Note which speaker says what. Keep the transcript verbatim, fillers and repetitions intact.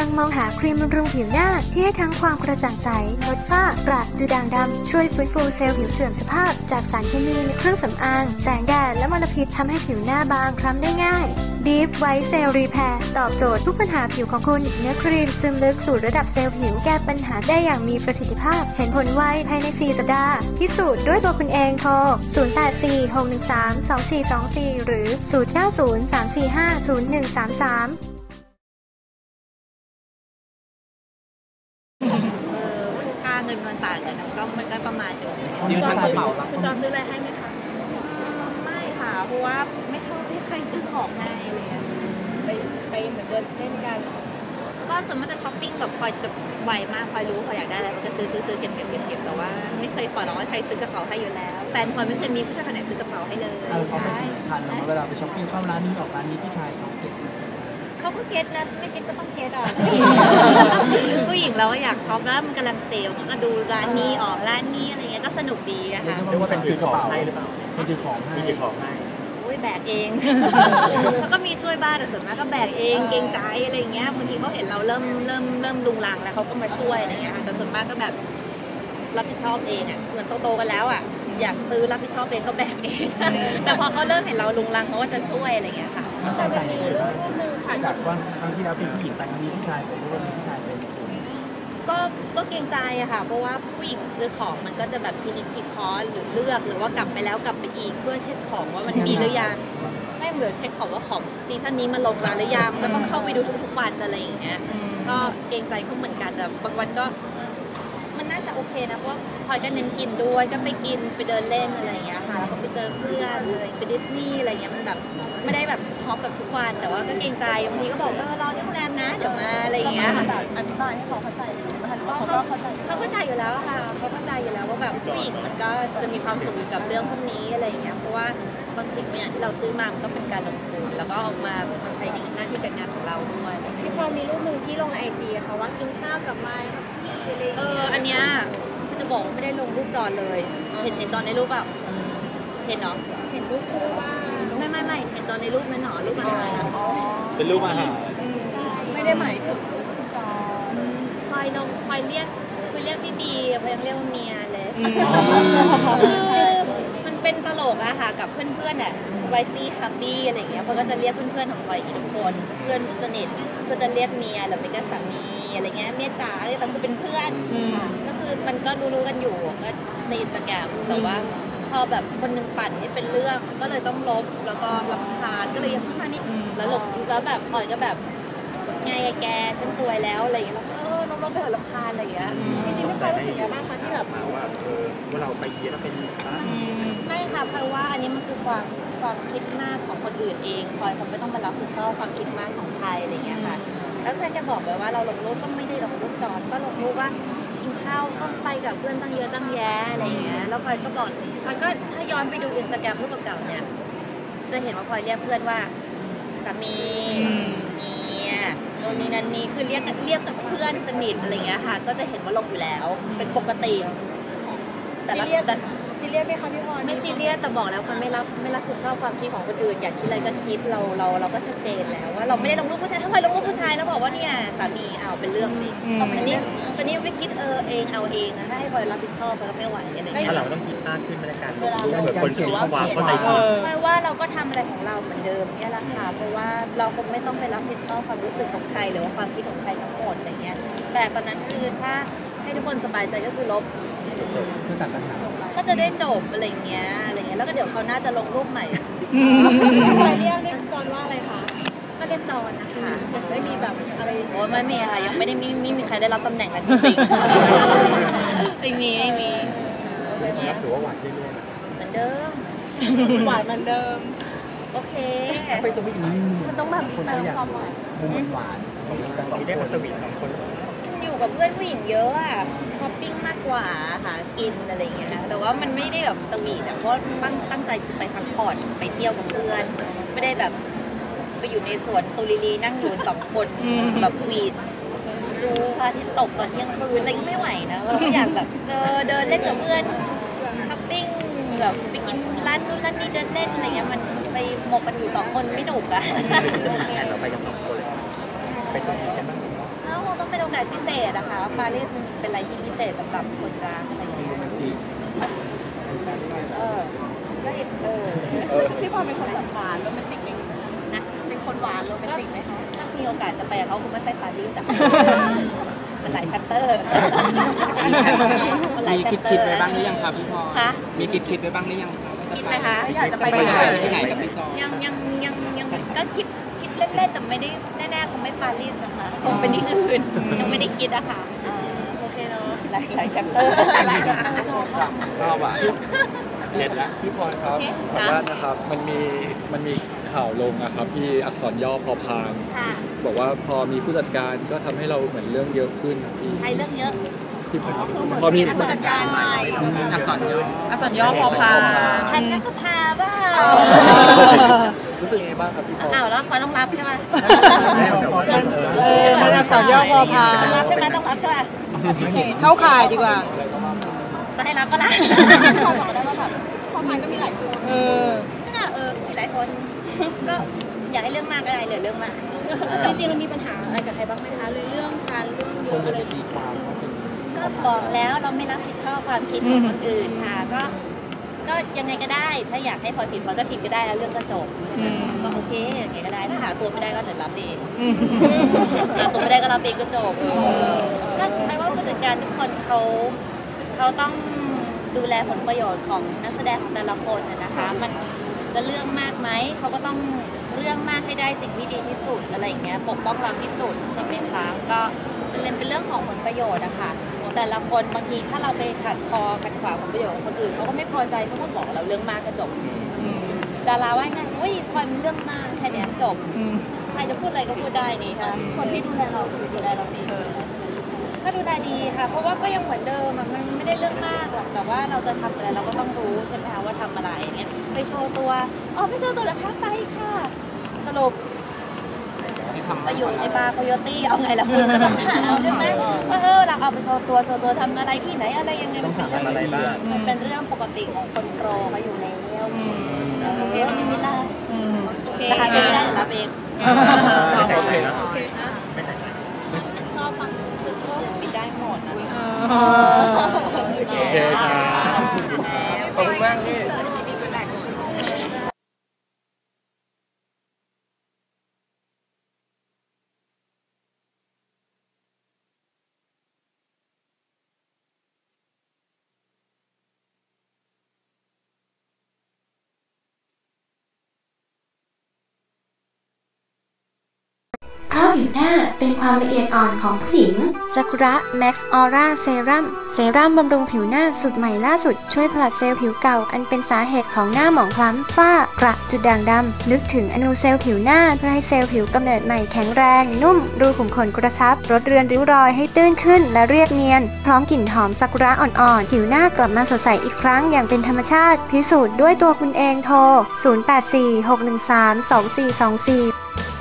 Speaker 1: งมองหาครีมบำรุงผิวหน้าที่ให้ทั้งความกระจ่างใสลดฝ้ากระดูด่างดำช่วยฟื้นฟูเซลล์ผิวเสื่อมสภาพจากสารเคมีในเครื่องสำอางแสงแดดและมลพิษทำให้ผิวหน้าบางคล้ำได้ง่าย Deep White Cell Repair ตอบโจทย์ทุกปัญหาผิวของคุณเนื้อครีมซึมลึกสู่ระดับเซลล์ผิวแก้ปัญหาได้อย่างมีประสิทธิภาพเห็นผลไวภายในสี่สัปดาห์พิสูจน์ด้วยตัวคุณเองโทรศูนย์ แปด สี่ หก หนึ่ง สาม สอง สี่ สอง สี่หรือศูนย์ เก้า ศูนย์ สาม สี่ ห้า ศูนย์ หนึ่ง สาม สาม
Speaker 2: ค่าเงินมันต่างกันก็มันก็ประมาณนึง
Speaker 3: คุณจอซื้อคุณจอซื้ออะไรให้ไหมคะ
Speaker 2: ไม่ค่ะเพราะว่าไม่ชอบที่ใครซื้อของให้อะไรเงี้ย
Speaker 3: ไปไปเหมือนเดินเล่นกัน
Speaker 2: ก็สมมติจะช้อปปิ้งแบบพอจะไวมากพอรู้พออยากได้อะไรก็จะซื้อซื้อซื้อเก็บเก็บเก็บเก็บแต่ว่าไม่เคยขอร้องว่าใครซื้อกระเป๋าให้อยู่แล้วแฟนพลอยไม่เคยมีผู้ชายคนไหนซื้อกระเป๋าให้เลย
Speaker 4: เขาไม่ทันเวลาไปช้อปปิ้งเข้าร้านนี้ออกร้านนี้พี่ชายเขาเก็บ
Speaker 2: เขาก็เก็ตนะไม่เก็ตก็ต้องเก็ตอ่ะผู้หญิงเราก็อยากช็อปแล้วมันกำลังเซลล์ก็ดูร้านนี้ออกร้านนี้อะไรเงี้ยก็สนุกดีอะค่ะ
Speaker 4: เรียกว่าเป็นซื้อของให้หรือเปล่าเป็นซื้อของให้ซื้อของให้
Speaker 2: แบกเองแล้วก็มีช่วยบ้านแต่ส่วนมากก็แบกเองเกรงใจอะไรเงี้ยบางทีเขาเห็นเราเริ่มเริ่มเริ่มลุงลังแล้วเขาก็มาช่วยอะไรเงี้ยแต่ส่วนมากก็แบบรับผิดชอบเองอ่ะเหมือนโตๆกันแล้วอ่ะอยากซื้อรับผิดชอบเองก็แบกเองแต่พอเขาเริ่มเห็นเราลุงลังเขาก็จะช่วยอะไรเงี้ยค่ะ
Speaker 3: แต่มันมีเรื่องนึงค่ะ
Speaker 4: จากว่าครั้งที่แล้วเป็นผู้หญิงแต่ครั้งนี้ผู้ชายเป็นผู้ชายเป็น
Speaker 2: ก็ก็เกรงใจอะค่ะเพราะว่าผู้หญิงซื้อของมันก็จะแบบพินิจพิเคราะห์หรือเลือกหรือว่ากลับไปแล้วกลับไปอีกเพื่อเช็คของว่ามันมีหรือยังไม่เหมือนเช็คของว่าของซีซั่นนี้มันลงร้านหรือยังก็ต้องเข้าไปดูทุกๆวันอะไรอย่างเงี้ยก็เกรงใจเขาเหมือนกันแต่บางวันก็มันน่าจะโอเคนะเพราะพลอยก็เน้นกินด้วยก็ไปกินไปเดินเล่นอะไรอย่างเงี้ยค่ะแล้วก็ไปเจอเพื่อนอะไรไปดิสนีย์อะไรเงี้ยมันแบบไม่ได้แบบช็อปแบบทุกวันแต่ว่าก็เกรงใจบางทีก็บอกเออรอที่โรงแรมนะเดี๋ยวมาอะไรอย่างเงี้ย
Speaker 3: อธิบายให้เขาเข้าใจเขาก็เข้าใจ
Speaker 2: เขาเข้าใจอยู่แล้วค่ะเขาเข้าใจอยู่แล้วว่าแบบผู้หญิงมันก็จะมีความสุขอยู่กับเรื่องพวกนี้อะไรอย่างเงี้ยเพราะว่าบางสิ่งบางอย่างที่เราซื้อมามันก็เป็นการลงทุนแล้วก็ออกมาใช้ในหน้าที่การงานของเราด้วย
Speaker 3: พี่พอมีรูปหนึ่งที่ลงในไอจีค่ะว่ากินข้าวกับไม้
Speaker 2: เอออันเนี้ยคือจะบอกว่าไม่ได้ลงรูปจอนเลยเห็นเห็นจอนในรูปเปล่าเห็นเนาะ
Speaker 3: เห็นรูปคู่ว่า
Speaker 2: ไม่ไม่ไม่เห็นจอนในรูปนั้นหนอรูปอาหาร
Speaker 4: เป็นรูปอาหาร
Speaker 3: ใช่ไม่ได้หมายถึงจอ
Speaker 2: พลอยลงพลอยเรียกคุยเรียกพี่บีพลอยยังเรียกว่าเมียเลยมันเป็นตลกอะค่ะกับเพื่อนๆอะไวฟี่ฮับบี้อะไรอย่างเงี้ยพลอยก็จะเรียกเพื่อนๆของพลอยอีกทุกคนเพื่อนสนิทก็จะเรียกเมียหรือไม่ก็สามีอะไรเงี้ยเมียจ๋าอะไรต่างคือเป็นเพื่อนก็คือมันก็รู้ๆกันอยู่ก็ในอินสตาแกรมแต่ว่าพอแบบคนนึงปั่นให้เป็นเรื่องก็เลยต้องลบแล้วก็รำคาญก็เลยยังขึ้นมานิดแล้วหลบแล้วแบบพลอยก็แบบไงแกฉันสวยแล้วอะไรอย่างเงี้ยแล้วเออน้องๆไปเถอะรำคาญอะไรอย่างเงี้ย
Speaker 3: จริงๆไม่ค่อยรู้สึกยังไงบ้างคะที่แบบ
Speaker 4: ว่าว่าเราไปเยอะแล้วเป็น
Speaker 2: ไม่ค่ะเพราะว่าอันนี้มันคือความความคิดมากของคนอื่นเองพลอยเขาไม่ต้องมารับผิดชอบความคิดมากของใครอะไรอย่างเงี้ยค่ะแล้วแฟนจะบอกเลยว่าเราลงรูปก็ไม่ได้ลงรูปจอดก็ลงรูปว่ากินข้าวก็ไปกับเพื่อนตั้งเยอะตั้งแยะอะไรอย่างเงี้ยแล้วพลอยก็บอกพลอยก็ถ้าย้อนไปดูอินสตาแกรมรูปเก่าๆเนี่ยจะเห็นว่าพลอยเรียกเพื่อนว่าสามีเมียโน่นนี่นั่นนี่คือเรียกเรียกกับเพื่อนสนิทอะไรเงี้ยค่ะก็จะเห็นว่าลงอยู่แล้วเป็นปกติ
Speaker 3: แต่ละแต่ซีเรียสไหมคะพี่พร
Speaker 2: ไม่ซีเรียสแต่บอกแล้วคนไม่รับไม่รับผิดชอบความคิดของคนอื่นอยากคิดอะไรก็คิดเราเราเราก็ชัดเจนแล้วว่าเราไม่ได้ลงรูปผู้ชายทำไมลงรูปผู้ชายแล้วบอกว่าเนี่ยสามีเอาเป็นเรื่องสิอันนี้ตอนนี้ไม่คิดเออเองเอาเองนะถ้าให้พลอยรับผิดชอบก็ไม่ไหวอะไรอย่างเงี้ย
Speaker 4: เราต้องคิดมากขึ้นในการลงรูปเหมือนคนเขียนความเข้าใจผิด
Speaker 2: ไม่ว่าเราก็ทำอะไรของเราเหมือนเดิมเนี่ยแหละค่ะเพราะว่าเราคงไม่ต้องไปรับผิดชอบความรู้สึกของใครหรือว่าความคิดของใครทั้งหมดอะไรเงี้ยแต่ตอนนั้นคือถ้าให้ทุกคนสบายใจก็คือลบ
Speaker 4: คือตัดปัญหา
Speaker 2: ก็จะได้จบอะไรเงี้ยอะไรเงี้ยแล้วก็เดี๋ยวเขาน่าจะลงรูปใหม่
Speaker 3: ใครเรียกเรียกจอนว่าอะไรคะ
Speaker 2: ก็เรียกจอนนะคะ
Speaker 3: ไม่มีแบบอะไร
Speaker 2: โอ้ไม่มีค่ะยังไม่ได้มีไม่มีใครได้รับตำแหน่งนั้นจริงๆไม่มีไม่มี
Speaker 4: ถือว่าหวานเรื่อย
Speaker 2: ๆเหมือนเดิม
Speaker 3: หวานเหมือนเดิม
Speaker 2: โอเค
Speaker 4: ไปสวีท
Speaker 2: มันต้องแบบเติมความหวาน
Speaker 4: มุมหวานกระสอบได้มาสวีทสองคน
Speaker 2: อยู่กับเพื่อนผู้หญิงเยอะอะช้อปปิ้งมากกว่าหากินอะไรเงี้ยนะแต่ว่ามันไม่ได้แบบสวีทอะเพราะตั้งตั้งใจคือไปพักผ่อนไปเที่ยวกับเพื่อนไม่ได้แบบไปอยู่ในสวนตุลิลีนั่งอยู่สองคนแบบวีดดูพระอาทิตย์ตกตอนเที่ยงคืนอะไรก็ไม่ไหวนะเราก็อยากแบบเออเดินเล่นกับเพื่อนช้อปปิ้งแบบไปกินร้านนู้นร้านนี้เดินเล่นอะไรเงี้ยมันไปหมกกันอยู่สองคนไม่หนุกอะ
Speaker 4: เราไปกันสองคนเลยไปสวีทกันบ้าง
Speaker 2: โอกาสพิเศษนะคะปารีสมันเป็นอะไรที่พิเศษสำหรับคนรักอะไรอย่างเงี้ยเออก็อีกเออ
Speaker 3: พี่พรเป็นคนแบบหวานโรแมนติกไหม
Speaker 2: นะ
Speaker 3: เป็นคนหวานโรแมนติกไหมคะ
Speaker 2: ถ้ามีโอกาสจะไปกับเขาคงไม่ไปปารีสแต่มันหลายชัตเตอร์มันหลาย
Speaker 5: มี
Speaker 2: ชั
Speaker 5: คิ
Speaker 2: ต
Speaker 5: ด
Speaker 2: เตอ
Speaker 5: คิด
Speaker 2: ร์
Speaker 5: ไว้บ้างหรือยังครับพี่พร
Speaker 2: คะ
Speaker 5: มีคิดคิดไว้บ้างหรือยังครับว่า
Speaker 2: คิด
Speaker 5: จะ
Speaker 2: เลยคะ
Speaker 3: อยากจะไป
Speaker 5: ไป
Speaker 3: ที่
Speaker 5: ไห
Speaker 3: ไห
Speaker 5: น
Speaker 3: น
Speaker 5: ที่ไหนกับพี่จอย
Speaker 2: ยังยังยังยังก็คิดคิดเล่นๆแต่ไม่ได้แน่ๆคงไม่ปารีสนะคะคงเป็นที่อื่นยังไม่ได้คิดอะค่ะ
Speaker 3: โอเคเนาะ
Speaker 2: หลายหลายชัตเตอร์หลายชัตเตอร์ชอบ
Speaker 6: รอบอ่ะเห็นแล้วพี่พรครับขออนุญาตนะครับ มันมีมันมีข่าวลงนะครับพี่อักษรย่อพอพาน
Speaker 2: ค่ะ
Speaker 6: บอกว่าพอมีผู้จัดการก็ทำให้เราเหมือนเรื่องเยอะขึ้นนะพี่
Speaker 2: ใช้เรื่องเยอะ
Speaker 6: พี่พร
Speaker 3: คือเหมือน
Speaker 6: พอมี
Speaker 3: ผู้จัดการใหม่
Speaker 5: อักษรย่อ
Speaker 4: อักษรย่อพอพา
Speaker 2: ทันนักก็พาเปล่า
Speaker 6: รู้สึกยังไงบ้างครับพี่พร
Speaker 2: อ้าวแล้วพอต้องรับใช่ไหม
Speaker 4: เออมันอักษรย่อพอพา
Speaker 2: ต้องรับใช่ไหมต้องรับใช่ไหม
Speaker 4: เข้าข่ายดีกว่า
Speaker 2: จะให้รับก็รับ
Speaker 3: พอบอกได้ว่าแบบพอพันก็มีหลายคน
Speaker 4: เออ
Speaker 2: ก็น่าเออมีหลายคนก็อยากให้เรื่องมากก็ได้เหลือเรื่องมาก
Speaker 3: จริงๆมันมีปัญหาอะไรกับใครบ้างไหมคะเลยเรื่องการเรื่องเยอะอะไร
Speaker 6: ตีความว่าเป็น
Speaker 2: ก็บอกแล้วเราไม่รับผิดชอบความคิดของคนอื่นค่ะก็ก็ยังไงก็ได้ ถ้าอยากให้พอผิดพอจะผิดก็ได้แล้วเรื่องก็จบก็โอเคยังไงก็ได้ถ้าหาตัวไม่ได้ก็เดี๋ยวรับเองหาตัวไม่ได้ก็รับเองก็จบแล้วหมายว่าผู้จัดการทุกคนเขาเขาต้องดูแลผลประโยชน์ของนักแสดงของแต่ละคนน่ะนะคะ มันจะเรื่องมากไหมเขาก็ต้องเรื่องมากให้ได้สิ่งที่ดีที่สุดอะไรอย่างเงี้ยปกป้องเราที่สุดใช่ไหมคะก็เป็นเป็นเรื่องของผลประโยชน์อะค่ะของแต่ละคนบางทีถ้าเราไปขัดคอขัดขวางผลประโยชน์ของคนอื่นเขาก็ไม่พอใจเขาก็บอกเราเรื่องมากก็จบดาราว่าไงอุ้ยพลอยมันเรื่องมากแค่เนี้ยจบใครจะพูดอะไรก็พูดได้นี่ค่ะคนที่ดูแลเราก็ดูแลเราดีก็ดูแลดีค่ะ เพราะว่าก็ยังเหมือนเดิมอะมันไม่ได้เรื่องมากหรอกแต่ว่าเราจะทำอะไรเราก็ต้องรู้ใช่ไหมคะว่าทำอะไรเงี้ยไปโชว์ตัวอ๋อไปโชว์ตัวเหรอคะไปค่ะสรุป
Speaker 5: ที่ทำ
Speaker 2: ไปอยู่ในบาร์โคโยตี้เอาไงล่ะคุณก็ต้องถามใช่ไหมว่าเออเราเอาไปโชว์ตัวโชว์ตัวทำอะไรที่ไหนอะไรยังไงมันเป็นเรื่อง
Speaker 6: อะไรบ้าง
Speaker 2: มันเป็นเรื่องปกติของคนโปรเขาอยู่แล้วเออไม่มีละนะคะไม่ได้รับเองชอบฟังสึกเรื่องปิดได้หมดนะ
Speaker 6: โอเคครับ
Speaker 5: ขอบคุณมากพี่
Speaker 1: เพราะผิวหน้าเป็นความละเอียดอ่อนของผู้หญิงซากุระแม็กซ์ออร่าเซรั่มเซรั่มบำรุงผิวหน้าสูตรใหม่ล่าสุดช่วยผลัดเซลล์ผิวเก่าอันเป็นสาเหตุของหน้าหมองคล้ำฝ้ากระจุดด่างดำลึกถึงอนูเซลล์ผิวหน้าเพื่อให้เซลล์ผิวกำเนิดใหม่แข็งแรงนุ่มรูขุมขนกระชับลดเรือนริ้วรอยให้ตื้นขึ้นและเรียบเนียนพร้อมกลิ่นหอมซากุระอ่อนๆผิวหน้ากลับมาสดใสอีกครั้งอย่างเป็นธรรมชาติพิสูจน์ด้วยตัวคุณเองโทรศูนย์ แปด สี่ หก หนึ่ง สาม สอง สี่ สอง สี่